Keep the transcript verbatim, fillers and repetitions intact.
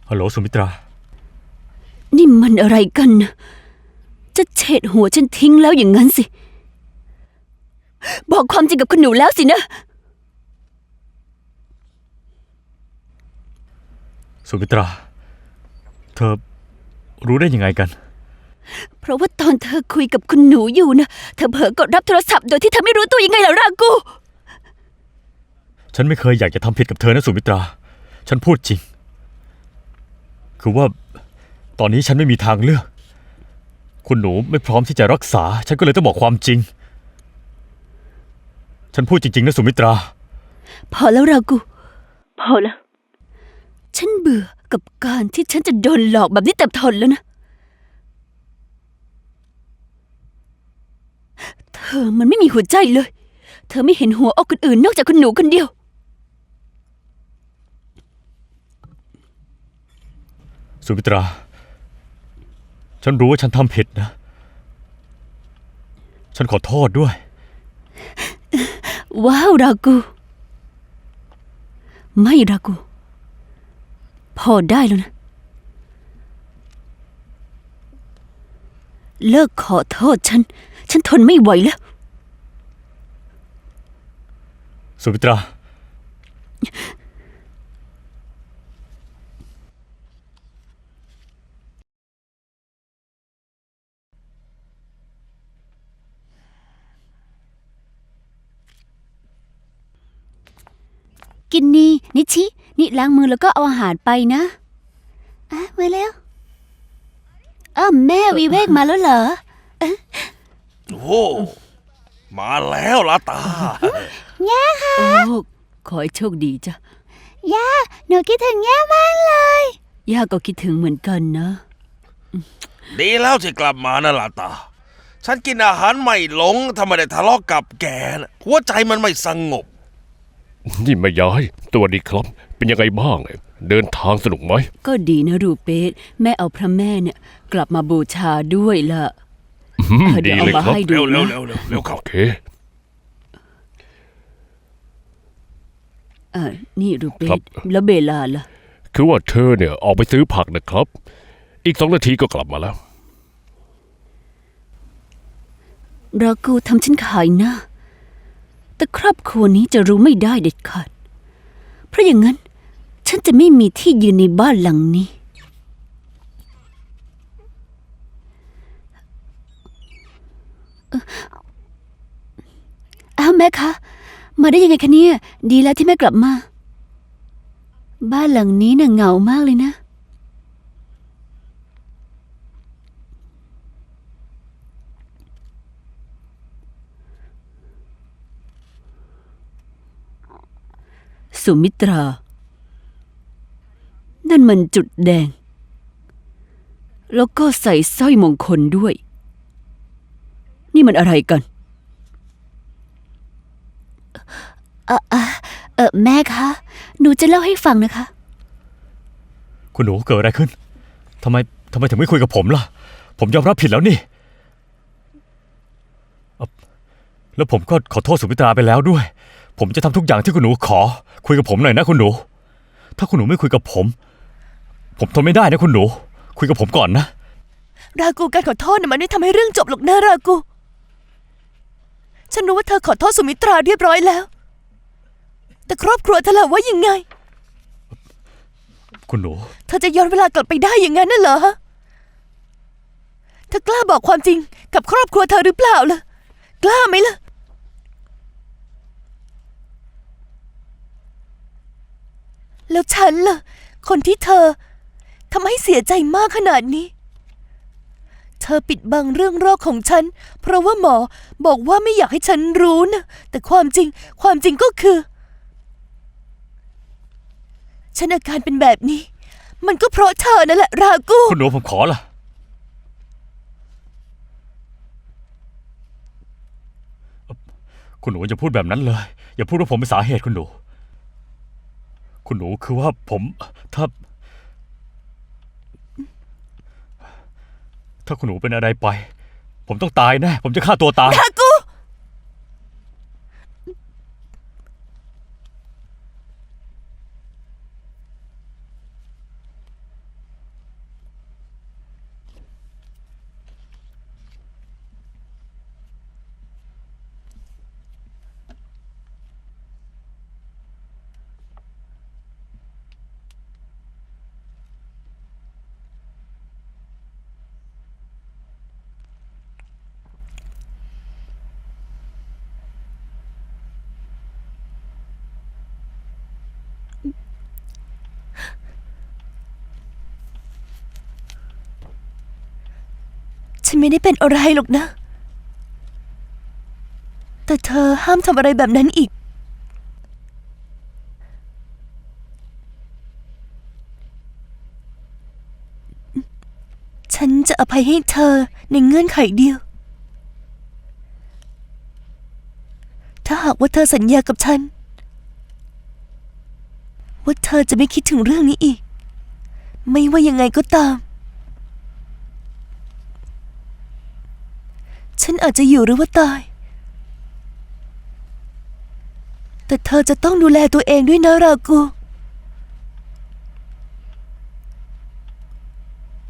ฮัลโหลสุมิตรานี่มันอะไรกันนะจะเฉดหัวฉันทิ้งแล้วอย่างนั้นสิบอกความจริงกับคุณหนูแล้วสินะสุมิตราเธอรู้ได้ยังไงกันเพราะว่าตอนเธอคุยกับคุณหนูอยู่นะเธอเผลอกดรับโทรศัพท์โดยที่เธอไม่รู้ตัวยังไงล่ะรากูฉันไม่เคยอยากจะทำผิดกับเธอนะสุมิตราฉันพูดจริงคือว่าตอนนี้ฉันไม่มีทางเลือกคุณหนูไม่พร้อมที่จะรักษาฉันก็เลยต้องบอกความจริงฉันพูดจริงๆนะสุมิตราพอแล้วรากูพอแล้วฉันเบื่อกับการที่ฉันจะโดนหลอกแบบนี้เต็มทนแล้วนะเธอมันไม่มีหัวใจเลยเธอไม่เห็นหัวอกคนอื่นนอกจากคุณหนูคนเดียวสุมิตราฉันรู้ว่าฉันทำผิดนะฉันขอโทษด้วยว้าวรากูไม่รากูพอได้แล้วนะเลิกขอโทษฉันฉันทนไม่ไหวแล้วสุมิตรากินนี่นิชินี่ล้างมือแล้วก็เอาอาหารไปนะอ่ะมาแล้วอ้าวแม่วิเวกมาแล้วเหรอโอ้มาแล้วลาตาย่าค่ะโอ้ขอให้โชคดีจ้ะย่าหนูคิดถึงย่ามากเลยย่าก็คิดถึงเหมือนกันนะดีแล้วที่กลับมานะลาตาฉันกินอาหารไม่หลงทำไมได้ทะเลาะกับแกนะหัวใจมันไม่สงบนี่แม่ยายตัวดีครับเป็นยังไงบ้างเดินทางสนุกไหมก็ดีนะรูเปสแม่เอาพระแม่เนี่ยกลับมาบูชาด้วยล่ะดีเลยครับเร็วเร็วเร็วเร็วเร็วเข้าโอเคเออนี่รูเปสแล้วเบลาล่ะคือว่าเธอเนี่ยออกไปซื้อผักนะครับอีกสองนาทีก็กลับมาแล้วรากูทำฉันขายหน้าแต่ครอบครัวนี้จะรู้ไม่ได้เด็ดขาดเพราะอย่างนั้นฉันจะไม่มีที่ยืนในบ้านหลังนี้อ้าวแม่คะมาได้ยังไงคะเนี่ยดีแล้วที่แม่กลับมาบ้านหลังนี้น่ะเหงามากเลยนะสุมิตรานั่นมันจุดแดงแล้วก็ใส่สร้อยมงคลด้วยนี่มันอะไรกันเออเออเออแม่คะหนูจะเล่าให้ฟังนะคะคุณหนูเกิดอะไรขึ้นทำไมทำไมถึงไม่คุยกับผมล่ะผมยอมรับผิดแล้วนี่แล้วผมก็ขอโทษสุมิตราไปแล้วด้วยผมจะทำทุกอย่างที่คุณหนูขอคุยกับผมหน่อยนะคุณหนูถ้าคุณหนูไม่คุยกับผมผมทนไม่ได้นะคุณหนูคุยกับผมก่อนนะรากูการขอโทษน่ะมันไม่ทำให้เรื่องจบหรอกนะรากูฉันรู้ว่าเธอขอโทษสุมิตราเรียบร้อยแล้วแต่ครอบครัวเธอล่ะว่ายังไงคุณหนูเธอจะย้อนเวลากลับไปได้อย่างนั้นน่ะเหรอเธอกล้าบอกความจริงกับครอบครัวเธอหรือเปล่าล่ะกล้าไหมล่ะแล้วฉันล่ะคนที่เธอทำให้เสียใจมากขนาดนี้เธอปิดบังเรื่องโรคของฉันเพราะว่าหมอบอกว่าไม่อยากให้ฉันรู้นะแต่ความจริงความจริงก็คือฉันอาการเป็นแบบนี้มันก็เพราะเธอนั่นแหละรากูคุณหนูผมขอล่ะคุณหนูอย่าพูดแบบนั้นเลยอย่าพูดว่าผมเป็นสาเหตุคุณหนูคุณหนูคือว่าผมถ้าถ้าคุณหนูเป็นอะไรไปผมต้องตายแน่ผมจะฆ่าตัวตายรากูนไม่ได้เป็นอะไรหรอกนะ แต่เธอห้ามทำอะไรแบบนั้นอีก ฉันจะอภัยให้เธอในเงื่อนไขเดียว ถ้าหากว่าเธอสัญญากับฉัน ว่าเธอจะไม่คิดถึงเรื่องนี้อีก ไม่ว่ายังไงก็ตาม ฉันอาจจะอยู่หรือว่าตาย แต่เธอจะต้องดูแลตัวเองด้วยนะรากู